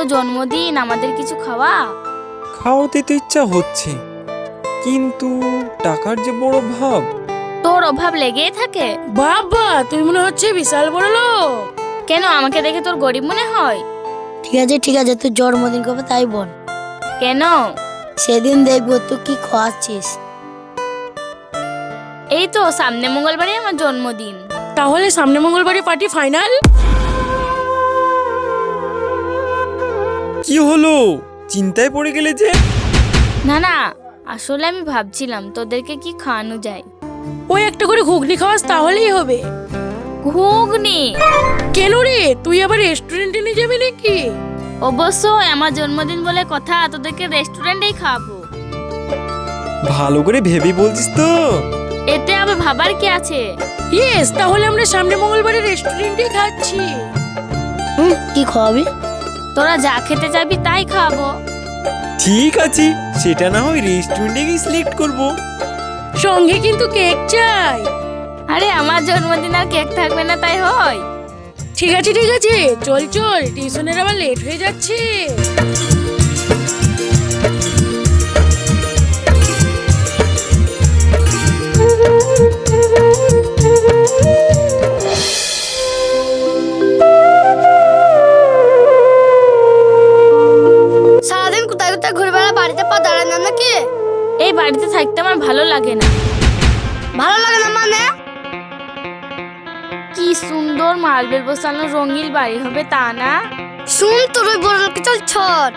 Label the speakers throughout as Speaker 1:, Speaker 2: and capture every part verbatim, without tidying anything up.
Speaker 1: জন্মদিন, আমাদের কিছু খাওয়া।
Speaker 2: খাওয়াতে তো ইচ্ছা হচ্ছে, কিন্তু টাকার যে বড় ভাব।
Speaker 1: তোর অভাব লেগেই থাকে।
Speaker 3: বাবা, তুই মনে হচ্ছে বিশাল বড় লোক।
Speaker 1: কেন, আমাকে দেখে তোর গরিব মনে হয়?
Speaker 4: ঠিক আছে ঠিক আছে, তুই জন্মদিন কবে তাই বল।
Speaker 1: কেন?
Speaker 4: সেদিন দেখবো তুই কি খাওয়াচ্ছিস।
Speaker 1: এই তো সামনে মঙ্গলবারে আমার জন্মদিন।
Speaker 3: তাহলে সামনে মঙ্গলবারে পার্টি ফাইনাল।
Speaker 2: কি হলো, চিন্তায় পড়ে গেলে যে?
Speaker 1: না না, আসলে আমি ভাবছিলাম তোদেরকে কি খাওয়ানো যায়।
Speaker 3: ওই একটা করে ঘুগনি খাওয়াস তাহলেই হবে।
Speaker 1: ঘুগনি?
Speaker 3: কেন রে, তুই আবার রেস্টুরেন্টে নিয়ে যাবি নাকি?
Speaker 1: অবশ্যই, আমার জন্মদিন বলে কথা, তোদেরকে রেস্টুরেন্টেই খাওয়াবো।
Speaker 2: ভালো করে ভেবে বলছিস তো?
Speaker 1: এতে আবার ভাবার কি আছে?
Speaker 3: ইয়েস, তাহলে আমরা সামনে মঙ্গলবারে রেস্টুরেন্টে খাচ্ছি।
Speaker 4: হুম, কি খাওয়াবি?
Speaker 1: তোরা যা খেতে চাইবি তাই খাওয়াবো।
Speaker 2: ঠিক আছে, সেটা না হয় রেস্টুরেন্টে গিয়ে সিলেক্ট করবো।
Speaker 3: সঙ্গে কিন্তু কেক চাই।
Speaker 1: আরে আমার জন্মদিন আর কেক থাকবে না তাই হয়?
Speaker 3: ঠিক আছে ঠিক আছে, চল চল, টিউশনের আবার লেট হয়ে যাচ্ছে।
Speaker 4: সারাদিন কোথায় কোথায় ঘুরে বেড়া, বাড়িতে পা দাঁড়ায় না নাকি?
Speaker 1: এই বাড়িতে থাকতে আমার ভালো লাগে না।
Speaker 4: ভালো লাগে না মানে?
Speaker 1: কি সুন্দর মার্বেল বসানো রঙিন বাড়ি হবে তা না?
Speaker 4: শুন, তোর ওই বড় লোকে চল ছট।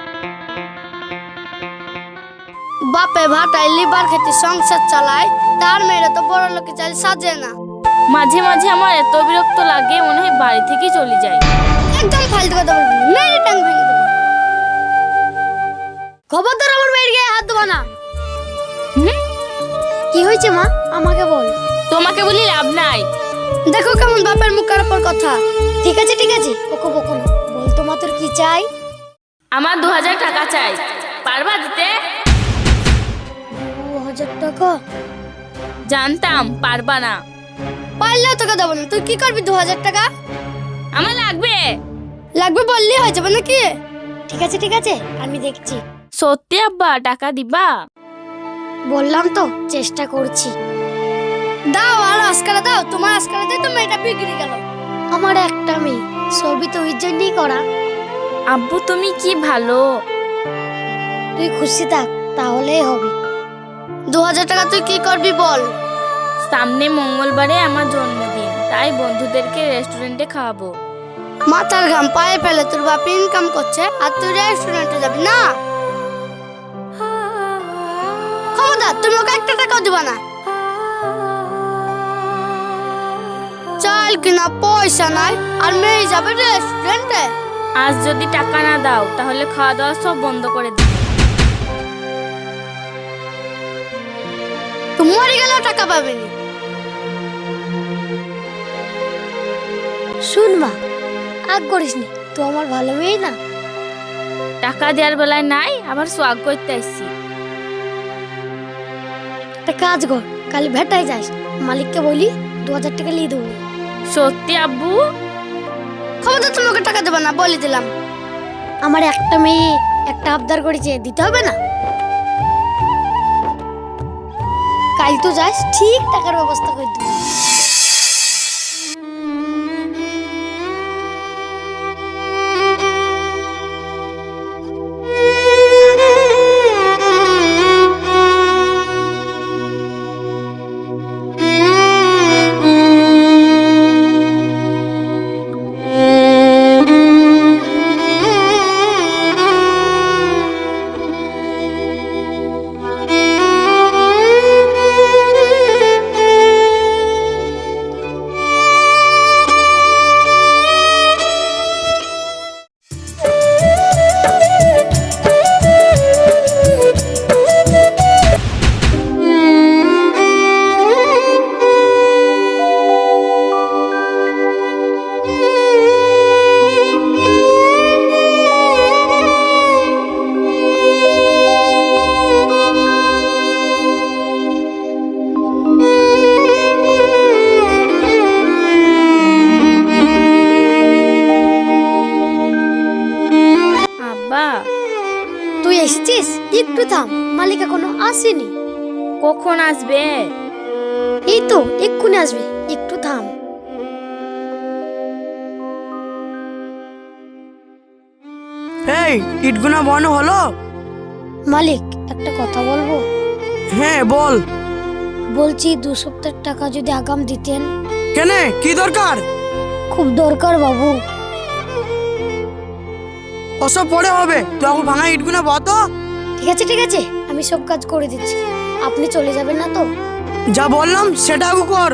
Speaker 4: বাপে ভাটায় লিবার খেতে সংসার চালায়, তার মেয়েরা তো বড় লোকে চাল সাজে না।
Speaker 1: মাঝে মাঝে আমার এত বিরক্ত লাগে, মনে হয় বাড়ি থেকে চলে যাই।
Speaker 4: একদম ফালতু কথা বলবি না, মেয়ের টাং ভেঙে দেবো। খবরদার আমার মেয়ের গায়ে হাত দেবো না।
Speaker 1: হুম?
Speaker 4: কি হয়েছে মা, আমাকে বল।
Speaker 1: তোমাকে বলি লাভ নাই।
Speaker 4: দেখো কেমন বাপের মুখের উপর কথা। ঠিক আছে ঠিক আছে, ওকে বকো না, বল তোমার তোর কি চাই?
Speaker 1: আমার দু হাজার টাকা চাই, পারবা দিতে?
Speaker 4: দু হাজার টাকা?
Speaker 1: জানতাম পারবা না।
Speaker 4: পারলেও তোকে দেবো না। তুই কি করবি দু হাজার টাকা?
Speaker 1: আমার লাগবে।
Speaker 4: লাগবে বললেই হয়ে যাবে নাকি? ঠিক আছে ঠিক আছে, আমি দেখছি।
Speaker 1: সত্যি আব্বা, টাকা দিবা?
Speaker 4: বললাম তো, চেষ্টা করছি। দাও আর আজকালে দাও, তোমার আজকালে দিয়ে তো মেয়েটা বিগড়ে গেল। আমার একটা মেয়ে, সবই তো ওই জন্যই করা।
Speaker 1: আব্বু তুমি কি ভালো।
Speaker 4: তুই খুশি থাক, তাহলেই হবে। দু হাজার টাকা তুই কি করবি বল?
Speaker 1: সামনে মঙ্গলবারে আমার জন্মদিন, তাই বন্ধুদেরকে রেস্টুরেন্টে খাওয়াবো।
Speaker 4: মাথার ঘাম পায়ে ফেলে তোর বাপ ইনকাম করছে, আর তুই রেস্টুরেন্টে যাবি না? খবরদার, তুমি ওকে একটা টাকাও দিবা না। চাল কিনা পয়সা নাই, আর মেয়ে যাবে রেস্টুরেন্টে।
Speaker 1: আজ যদি টাকা না দাও তাহলে খাওয়া দাওয়া সব বন্ধ করে দিই।
Speaker 4: তুই মরে গেলেও টাকা পাবি না। শুন মা, আগ করিস নি, তুই আমার ভালো মেয়ে না।
Speaker 1: টাকা দেওয়ার বেলায় নাই, আবার সোয়াগ করতে আসছি।
Speaker 4: একটা কাজ কর, কাল ভেটায় যাস, মালিককে বলি দু হাজার টাকা নিয়ে দেবো।
Speaker 1: সত্যি আব্বু?
Speaker 4: খবরদার তুমি ওকে টাকা দেবে না, বলে দিলাম। আমার একটা মেয়ে একটা আবদার করেছে, দিতে হবে না? কাল তো যাস, ঠিক টাকার ব্যবস্থা করে দেবো। একটু থাম, মালিক এখনো আসেনি।
Speaker 1: কখন আসবে?
Speaker 4: এই তো এক্ষুনি আসবে, একটু থাম।
Speaker 5: এই ইটগুনা বানানো হলো?
Speaker 4: মালিক একটা কথা বলবো?
Speaker 5: হ্যাঁ বল।
Speaker 4: বলছি দু সপ্তাহ টাকা যদি আগাম দিতেন।
Speaker 5: কেন, কি দরকার?
Speaker 4: খুব দরকার বাবু।
Speaker 5: ওসব পরে হবে, তুই এখন ভাঙা ইটগুনা বতো।
Speaker 4: ঠিক আছে ঠিক আছে, আমি সব কাজ করে দিচ্ছি। আপনি চলে যাবেন না তো?
Speaker 5: যা বললাম সেটা আগে কর।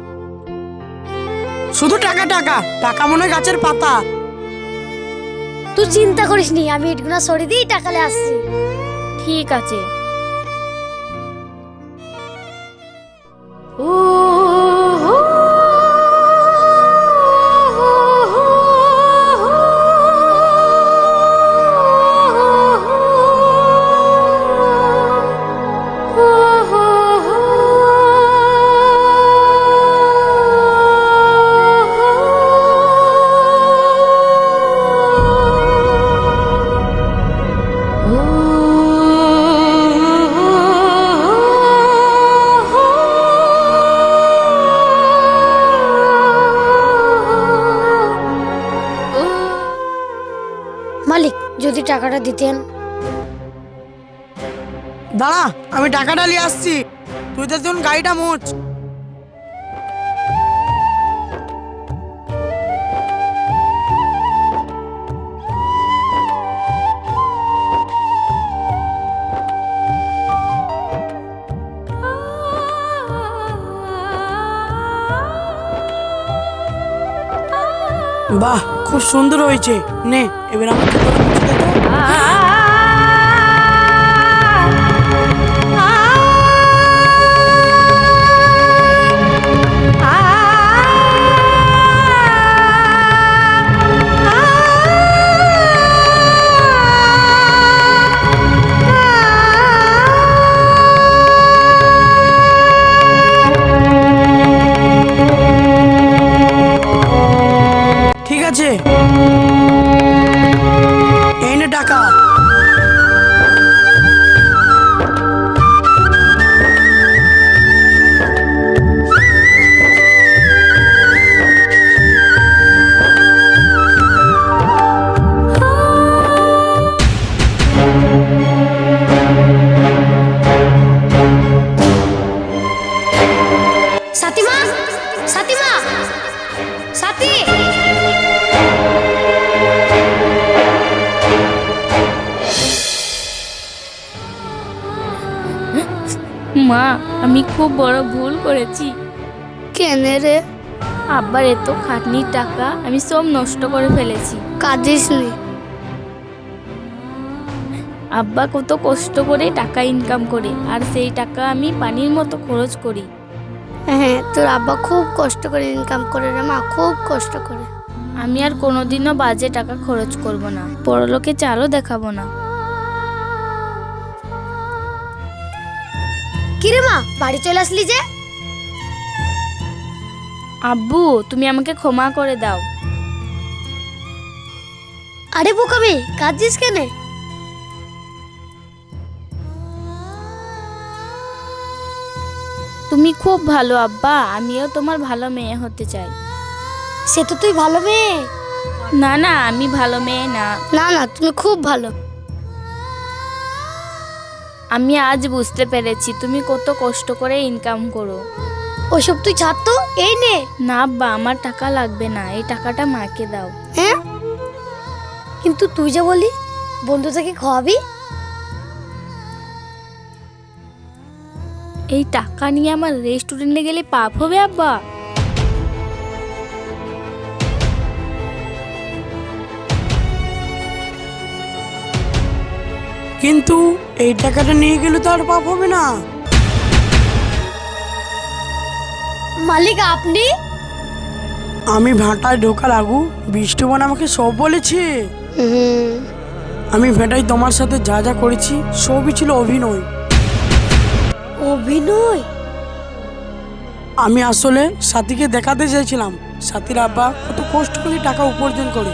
Speaker 5: শুধু টাকা টাকা টাকা মনে হয় গাছের পাতা।
Speaker 4: তুই চিন্তা করিস নি, আমি ইটগুনা সরিয়ে দিই, টাকালে আসছি।
Speaker 1: ঠিক আছে।
Speaker 4: মালিক যদি টাকাটা দিতেন।
Speaker 5: দাঁড়া, আমি টাকাটা নিয়ে আসছি, তুই তো দেখুন গাড়িটা মোচ। বাহ, খুব সুন্দর হয়েছে। নে এবার আমার জুতোটা মুছে দে তো। ঠিক আছে, এই নে টাকা।
Speaker 4: সাথীমা, সাথীমা, সাথী।
Speaker 1: মা, আমি খুব বড় ভুল করেছি।
Speaker 4: কেন রে?
Speaker 1: আব্বার এত খাটনির টাকা আমি সব নষ্ট করে ফেলেছি।
Speaker 4: কাঁদিস নি।
Speaker 1: আব্বা কত কষ্ট করে টাকা ইনকাম করে, আর সেই টাকা আমি পানির মতো খরচ করি।
Speaker 4: হ্যাঁ, তোর আব্বা খুব কষ্ট করে ইনকাম করে রে মা, খুব কষ্ট করে।
Speaker 1: আমি আর কোনোদিনও বাজে টাকা খরচ করব না, বড়লোকে চালও দেখাবো না।
Speaker 4: কিরে মা, বাড়ি চলে আসলি যে?
Speaker 1: আব্বু, তুমি আমাকে ক্ষমা করে দাও।
Speaker 4: আরে বোকামি, কাঁদছিস কেন?
Speaker 1: তুমি খুব ভালো আব্বা, আমিও তোমার ভালো মেয়ে হতে চাই।
Speaker 4: সে তো তুই ভালো মেয়ে।
Speaker 1: না না, আমি ভালো মেয়ে না।
Speaker 4: না না, তুমি খুব ভালো।
Speaker 1: আমি আজ বুঝতে পেরেছি তুমি কত কষ্ট করে ইনকাম করো।
Speaker 4: ওইসব তুই ছাড় তো, এই নে।
Speaker 1: না আব্বা, আমার টাকা লাগবে না, এই টাকাটা মাকে দাও।
Speaker 4: হ্যাঁ, কিন্তু তুই যে বলি বন্ধু থেকে খাওয়াবি।
Speaker 1: এই টাকা নিয়ে আমার রেস্টুরেন্টে গেলে পাপ হবে আব্বা?
Speaker 5: কিন্তু এই টাকাটা নিয়ে গেলে তো আর পাপ হবে না।
Speaker 4: মালিক আপনি?
Speaker 5: আমি ভাটায় ঢোকার আগু বৃষ্টিবান আমাকে সব বলেছে।
Speaker 4: হুম,
Speaker 5: আমি ভেটাই তোমার সাথে যা যা করেছি সবই ছিল অভিনয়।
Speaker 4: অভিনয়?
Speaker 5: আমি আসলে সাথীকে দেখাতে চাইছিলাম সাথীর আব্বা কত কষ্ট করে টাকা উপার্জন করে।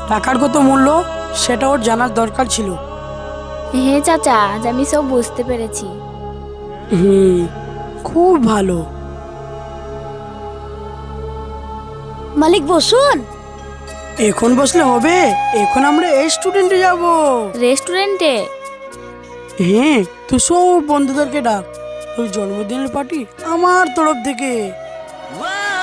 Speaker 5: টাকার কত মূল্য সেটা ওর জানার দরকার ছিল।
Speaker 1: হ্যাঁ চাচা, আজ আমি সব বুঝতে পেরেছি।
Speaker 5: হুম, খুব ভালো।
Speaker 4: মালিক বসুন।
Speaker 5: এখন বসলে হবে? এখন আমরা এই স্টুডেন্টে যাব।
Speaker 1: রেস্টুরেন্টে?
Speaker 5: হ্যাঁ, তুই সব বন্ধুদেরকে ডাক, তোর জন্মদিনের পার্টি আমার তরফ থেকে।